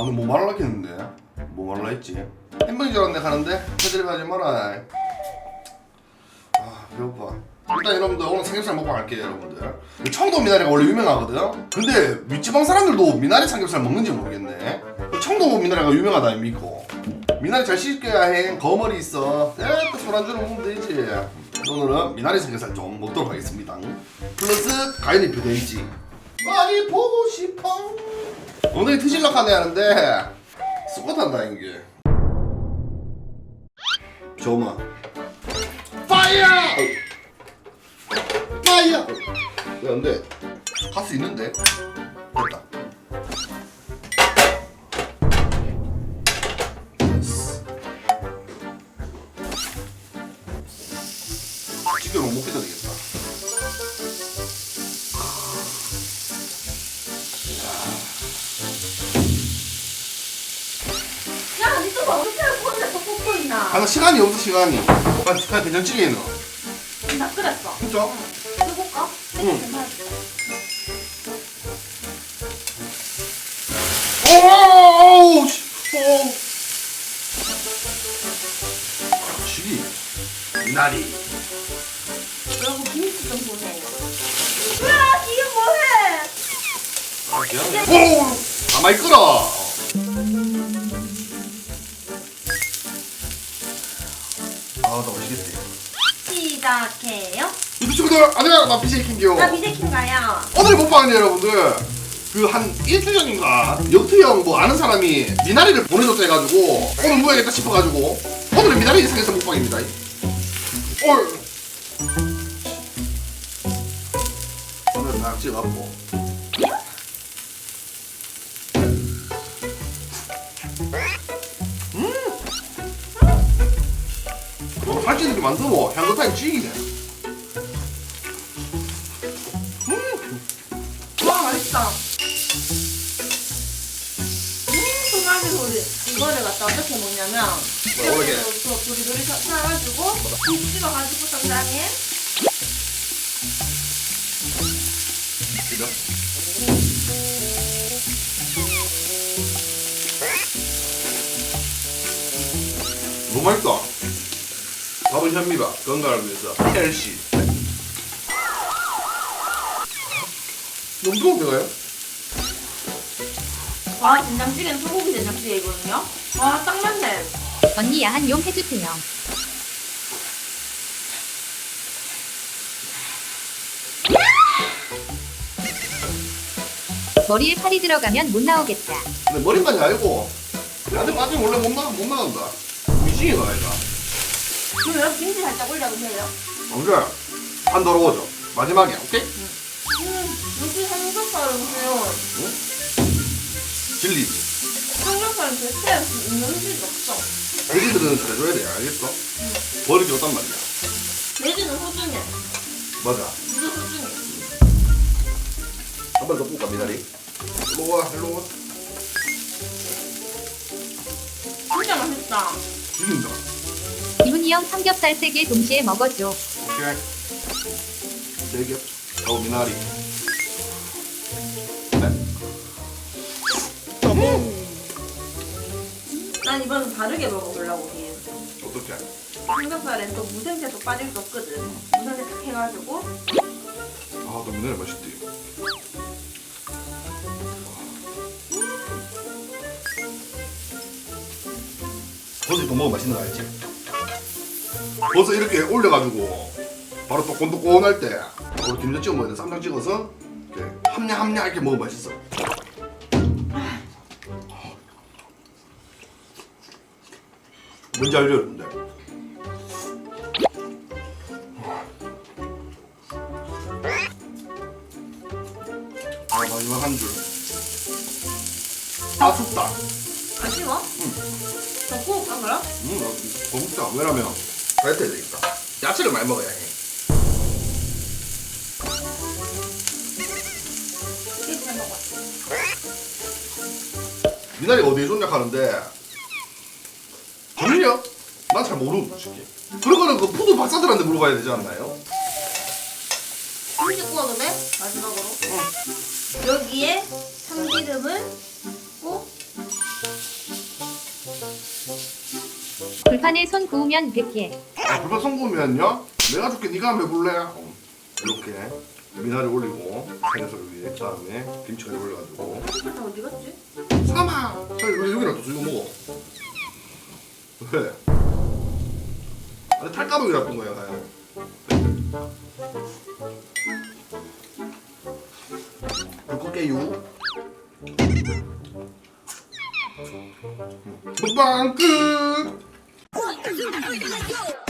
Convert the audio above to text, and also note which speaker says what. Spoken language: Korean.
Speaker 1: 그럼 뭐 말하려 했는데? 뭐 말하려 했지? 햄버거인 줄 알았네 가는데? 해드리 하지 마라. 아 배고파. 일단 여러분들 오늘 삼겹살 먹고 갈게요 여러분들. 청도 미나리가 원래 유명하거든? 근데 윗지방 사람들도 미나리 삼겹살 먹는지 모르겠네. 청도 미나리가 유명하다 아닙니까? 미나리 잘 씻겨야 해. 거머리 있어. 또 술안주로 먹으면 되지. 오늘은 미나리 삼겹살 좀 먹도록 하겠습니다. 플러스 가위잎이 돼있지. 많이 보고 싶어. 오늘 트실락하네 하는데 쑥갓한다 이게. 저마 파이어! 파이어! 왜 안돼? 갈 수 있는데? 됐다. 찌개로 못 먹게 되겠다.
Speaker 2: 야, 니 또 어떻게 꽂아서 꽂고 있나?
Speaker 1: 아, 나 시간이 없어 시간이. 그냥 된장찌개에 넣어.
Speaker 2: 나 끓였어.
Speaker 1: 진짜?
Speaker 2: 해볼까?
Speaker 1: 응.
Speaker 2: 괜찮았어.
Speaker 1: 오오오오 지 미나리.
Speaker 2: 여러분 김치 좀 보세요. 야, 이게 뭐해?
Speaker 1: 오 가만히 끓어. 아나 맛있겠지.
Speaker 2: 시작해요.
Speaker 1: 유튜브 친구들 안녕. 나 BJ킹기요.
Speaker 2: 나 비제킹가요.
Speaker 1: 오늘 먹방은 여러분들 그 한 일주일 전인가 역투 형 뭐 아는 사람이 미나리를 보내줬다 해가지고 오늘 먹어야겠다 싶어가지고 오늘은 미나리 삼겹살 먹방입니다. 오늘 딱 찍어갖고 살찌는 이렇게 만들어 향긋하게 찌기네.
Speaker 2: 와, 맛있다. 소갈비 소리. 이거를 갖다 어떻게 먹냐면
Speaker 1: 어떻게?
Speaker 2: 저 도리도리 사가지고 김 찍어가지고 적당히
Speaker 1: 너무 맛있다. 밥은 현미밥 건강을 위해서 헬시. 너무 좋은데가요?
Speaker 2: 와, 된장찌개는 소고기 된장찌개이거든요. 와, 딱 맞네.
Speaker 3: 언니 야한 용 해주세요. 머리에 팔이 들어가면 못 나오겠다.
Speaker 1: 근데 머리까지 알고 나한테 빠지면 원래 못 나간다. 미싱이가 아이가.
Speaker 2: 그럼 김치 살짝 올려보세요.
Speaker 1: 언제? 한 더러워져. 마지막에 오케이?
Speaker 2: 여기 삼겹살은 그냥
Speaker 1: 진리.
Speaker 2: 삼겹살은 대체 있는 질 없어.
Speaker 1: 돼지들은 잘해줘야 돼 알겠어? 버리기 없단 말이야.
Speaker 2: 돼지는 소중해.
Speaker 1: 맞아.
Speaker 2: 진짜 소중해.
Speaker 1: 한 번 더 볶아 미나리. 일로 와 일로 와.
Speaker 2: 진짜 맛있다.
Speaker 1: 죽인다.
Speaker 3: 기훈이 형 삼겹살 3개 동시에 먹어줘.
Speaker 1: 오케이. 대게. 하고 미나리.
Speaker 2: 난 이번엔 다르게 먹어보려고 해.
Speaker 1: 어떻게?
Speaker 2: 삼겹살엔 또 무생채도 빠질 수 없거든. 무생채 딱 해가지고
Speaker 1: 아, 너 미나리 맛있대. 버섯 또 먹으면 맛있는 거 알지? 버섯 이렇게 올려가지고 바로 또 곤두꼬운할 때 우리 김장 찍어 먹어야 돼. 쌈장 찍어서 이렇게 함냐 이렇게 먹으면 맛있어. 뭔지 알죠 여러분들? 아 마지막 한 줄. 아 춥다.
Speaker 2: 아쉬워? 더 구울까 그럼?
Speaker 1: 더 춥다. 왜냐면 다이어트 해야 되겠다. 야채를 많이 먹어야 해.
Speaker 2: 이렇게 잘 먹어.
Speaker 1: 미나리가 어디에 좋냐 하는데 정리요? 난 잘 모르는 솔직히. 그런 거는 그 푸드 박사들한테 물어봐야 되지 않나요?
Speaker 2: 김치 구워도 돼? 마지막으로. 여기에 참기름을 붓고
Speaker 3: 불판에 손 구우면 100개.
Speaker 1: 아, 불판 성공이면요? 내가 줄게. 네가 한번 해볼래? 이렇게 미나리 올리고 생선 위에 다음에 김치까지 올려가지고.
Speaker 2: 나 어디 갔지?
Speaker 1: 사마. 왜 여기랑 또 이거 먹어? 왜? 아니 탈가루이 나쁜 거야, 가야. 불 끌게요. 먹방 끝.